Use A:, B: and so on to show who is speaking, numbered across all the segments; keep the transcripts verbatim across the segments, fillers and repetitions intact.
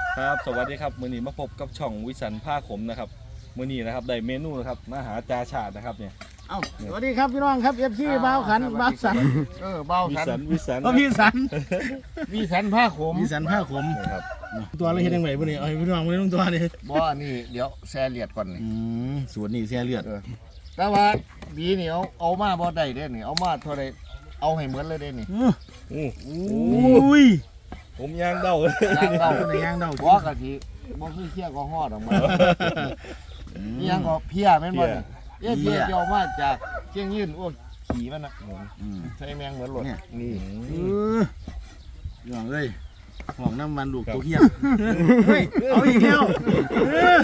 A: ครับสวัสดีครับมื้อนี้มาพบกับช่องวิสันผ้าขมนะครับมื้อนี้นะครับได้เมนูนะครับมาหาจาชาตินะครับเนี่ย
B: เอ้าสวัสดีครับพี่น้องครับเอฟซีบ้าวขันบ้าวสันเออบ้าว
A: วิ
B: สั
A: สั
B: น
A: นวิสัน
B: ก็พี่สันพี่สันผ้าขม
C: มีสันผ้าขม
A: นะครับ
C: ตัวเราเห็นยังไงบ่นี่เอาให้พี่น้องบ่ได้ต้องตัวนี่
B: บ่นี่เดี๋ยวแซ่เลียดก่อนนี่
C: อืมส่วนนี้เสียเลือด
B: เออแต่ว่าบีนี่เอาเอามาบ่ได้เด้นี่เอามาเท่าใดเอาให้เหมือนเลยเด้นี่
C: อื้อ
A: อู้
C: อุ้ย
A: ผมย่างเด้าเลย
B: ย่างเดา
C: ในย่างเดา
B: บ่กะทิบ่คือเคี้ยก็ฮอดออกมาอีหยังก็เพี้ยแม่นบ่นี่เอ๊ะเพี้ยเดียวมาจากเชียงยืนโอ้ขี่มันน่ะ
C: อืม
B: ใส่แมงเหมือนหลดนี่
C: เออพี่น้องเอ้ยห้องน้ำมันลูกตัวเฮียเฮ้ยเอาอีกแล้วเออ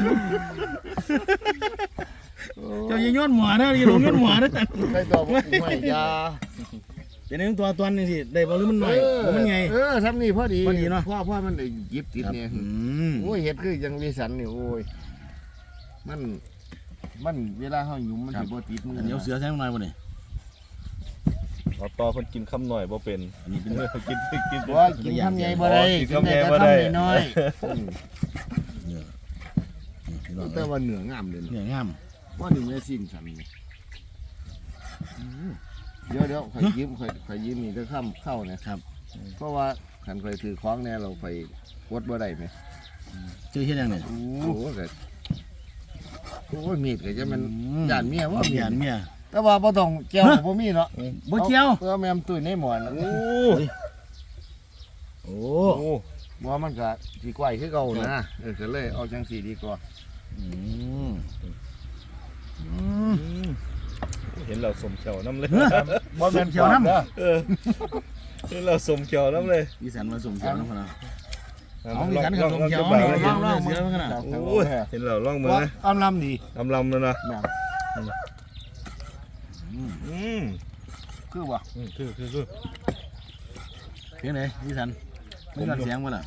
C: เจ้าอย่าย้อนหมอนะอย่าลงย้อนหมอนะแต่
B: ใส่ตัวบ่ไม่ยา
C: เดี๋ยวนี้ตัวตอนนี่สิได้บ่หรือมันหน่อยหรือมันไง
B: เออทำนี่พอดี
C: พอดีเนาะ
B: พ่อพ่อมันได้หยิบติด
C: ครับ
B: เนี่ย
C: อืม
B: โอ้ยเห็ดคือยังวิสันนี่โอ้ยมันมันเวลาเฮาหยุ่มมันสิบ่ติดมือ
C: อันนี้เอาเสือใช้หน่อยบ่นี่
A: เอาต่อเพิ่นกินคำหน่อยบ่เป็น
C: อันนี้เป็น
A: เมื่อกินกิน
B: ว่ากินทำใหญ่บ่ได้
A: กิ
B: กิ
A: น
B: น
A: คำใหญ่
B: ได้
A: บ่
B: แต่
A: ได้
B: ทำน้อยๆอืม
C: เนื้อนี่พี่น้อง
B: แต่
C: เอ้ย
B: ว่าเนื้องามเลย
C: เนื้องาม
B: ว่านี่แม่สิ้นสันนี่เดี๋ยวเดี๋ยวข่อยยิ้มข่อยข่อยยิ้มนี่จะข้ามเข้านะครับ เพราะว่าขันข่อยถือของเนี่ยเราไปวดบ่ได้ไหม
C: เจอเฮ็ดยังเนี่ย
B: โอ้โหเกิดโอ้ยมีดก็จะมัน
C: อืม
B: ย่านเมียว่ามี
C: หยาน
B: ด
C: เมีย
B: แต่ว่าบ่ต้องแก้วบ่มีเนาะ
C: บ่เกี่ยว
B: เพื่อแม่มตุ้ยในหมอน
A: โอ้
C: โอ้
A: โอ้
B: บ่มันก็สิกว้ายคือเก่านะเออก็เลยเอาจังสีดีกว่า
C: อืม
A: อืมเห็นเราสมเขียวน้ำเลย
B: บ่แม่น
C: เขียวน้ำ
A: เออเห็นเราสมเขียวน้ำเลย
C: อีสานมาส่งเขียวน้ำพะนะ
A: ล
C: เอา
A: อง
C: อีสาน
A: ล
C: กั
A: อบ ง
C: ส่ง
A: ลอง
C: เขียว
A: จะ
C: นี่
A: บ่าว
C: เรื่องเสือขนาด
A: โอ้ยเห็นเราล่องมือ
B: ว่า
A: นะ
B: อำลำดี
A: ลำลำแล้วนะ
B: แบบ
A: อืม
B: คือบ่
A: อืมคือคือคือ
C: เพียงไหนอีสานไม่ยอดเสียงบ่ล่ะ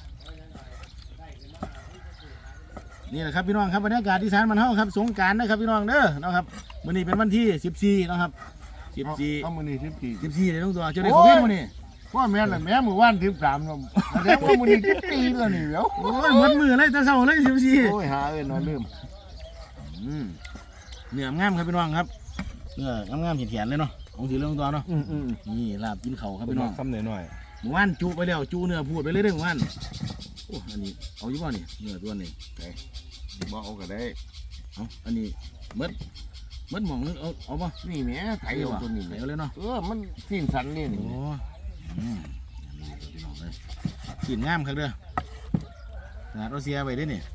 C: นี่แหละครับพี่น้องครับบรรยากาศอีสานมันเฮาครับสงกรานต์นะครับพี่น้องเด้อนะครับมื้อนี้เป็นวันที่สิบสี่นะครับสิบสี่
B: เอามื้อนี้สิบสี่
C: สิบสี่เดี๋ยวต้องตัวเจะได้ของเพี้ยนมื้อนี้
B: ว่าแม่นน่ะแม่มื้อวานสิบสามเนาะแสดงว่ามื้อนี้สิบสี่แล้วนี่เดี๋ยว
C: โอ้ยหมดมือเลยแต่เช้าเลยสิบสี่
B: โอ้ยหาเอิ้นว่าลืม
C: อืมเนื้องามครับพี่น้องครับเนื้องามๆเขียนๆเลยเนาะของสีเรื่องตัวเนาะ
B: อืมอืม
C: นี่ลาบกินเขาครับ
A: เป็น
C: พี่น้อง
A: คำหน่อยหน่อย
C: หมู่บ้านจูไปแล้วจูเนื้อพูดไปเลยเด้อหมู่บ้านโอ้อันนี้เอาอยู่บ่นี่เนื้อตัวนี้
B: บ่เอาก็ได้
C: เอาอันนี้เบิดเบิดหมองนึงเอาเอาบ่
B: นี่แหม่ไถเอาตัวนี้
C: ไหน
B: แหม่
C: เอาเลยเนาะ
B: เออมันสิ้นสันนี่
C: โอ้
B: นี่
C: อืมนี่พี่น้องเลยกินงามครับเด้อขนาดเราเสียไปได้อนี่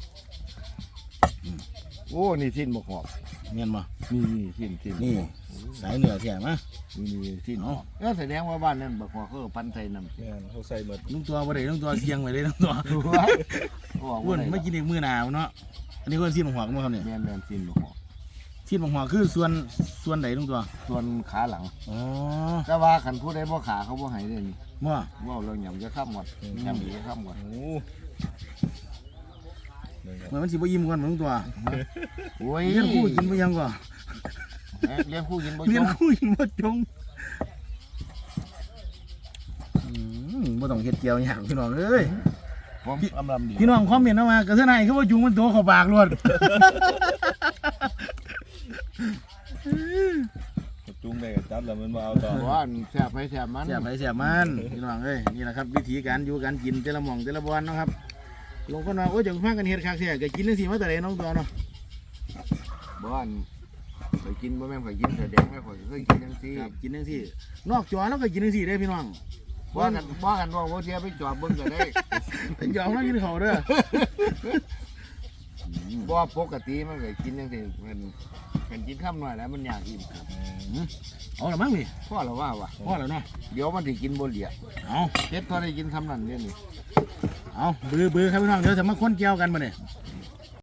B: โอ้นี่สิ้นบ่ขอบ
C: เงี้ยบ่
B: นี่นี่สิ้นสิ้น
C: นี่สายเนื้อแท้มา
B: นี่นี่สิ้น
C: เอา
B: เออแสดงว่าบ้านนั้นบ่ขอบเขาเอาพันไทยนำ
A: ๆเนี่ยเขาใส่หมด
C: ลุงตัวบ่ได้ลุงตัวเสียงไปเลยลุงตัว
B: ดูว่าบอก
C: อ้ว
B: ว่าน ไหน
C: ไม่กินอีกมื้อหนาวเนาะอันนี้ก็ซีนของหัวกันบ่ครับเนี่ย
B: แม่นแม่นสิ้นบ่ขอบ
C: ซีนของหัวคือส่วนส่วนไหนลุงตัว
B: ส่วนขาหลัง
C: อ๋อ
B: แต่ว่าคันผู้ใดบ่ขาเขาบ่ให้เด้นี่
C: บ่
B: เว้าเรื่องหยังจะค้ำก่อนยำอีกจะค้ำก่อน
A: โอ้
C: เหมือนมันสิบ่ยิ้มก่อนลุงตัว
B: โอ้ย
C: เลี้ยงคู่กินบ่ยังก่อน
B: เอ๊ะเลี้ยงคู่กินบ่
C: เลี้
B: จ
C: ยง
B: ง
C: คู่กินบ่จงอืมบ่ต้องเฮ็ดเกี่ยวหยังพี่น้องเอ้ย
B: ผมอำลำดี
C: พี่น้องคอมเมนต์เอามากระเทือนให้คือว่าจุงมันโตเข้าปากรวด
A: จุ้งได้กับจัดแล้วมันมาเอาต่อ
B: ว่าอันแซ่บไปแซ่บมัน
C: เสียบไปเสียบมันพี่น้องเอ้ยนี่แหละครับวิธีการอยู่การกินแต่ละหม่องแต่ละบอนเนาะครับลงคนว่าโอ้ยจะพากันเฮ็ดคักแท้ก็กินจังซี่มาแต่ใดน้องตัวเนาะ
B: บ่อันไปกินบ่แม่นข่อยกินแสดงแม่ข่อยเคยกินจังซี่
C: ครับกินจังซี่นอกจอแล้วก็กินจังซี่ได้พี่น้อง
B: บ่กันบ่กันว่าบ่เสียไปจอดเบิ่งก็ได้
C: เป็นยอมแล้วกินข้าวเด้อ
B: บ่ปกติมันก็กินจังซี่มันกันกินค่ำหน่อยแล้วมันอยากอิ่มครับ
C: เอาละมั้งนี่
B: พ่อละว่าว่ะ
C: พอแล้วเนาะ
B: เดี๋ยวมันสิกินบ่เหลีย
C: เอา
B: เฮ็ดพอได้กินทำนั่นเด้นี่
C: เอาบือบือครับพี่น้องเดี๋ยวจะมาค้นเกี่ยวกันมาเนี่ย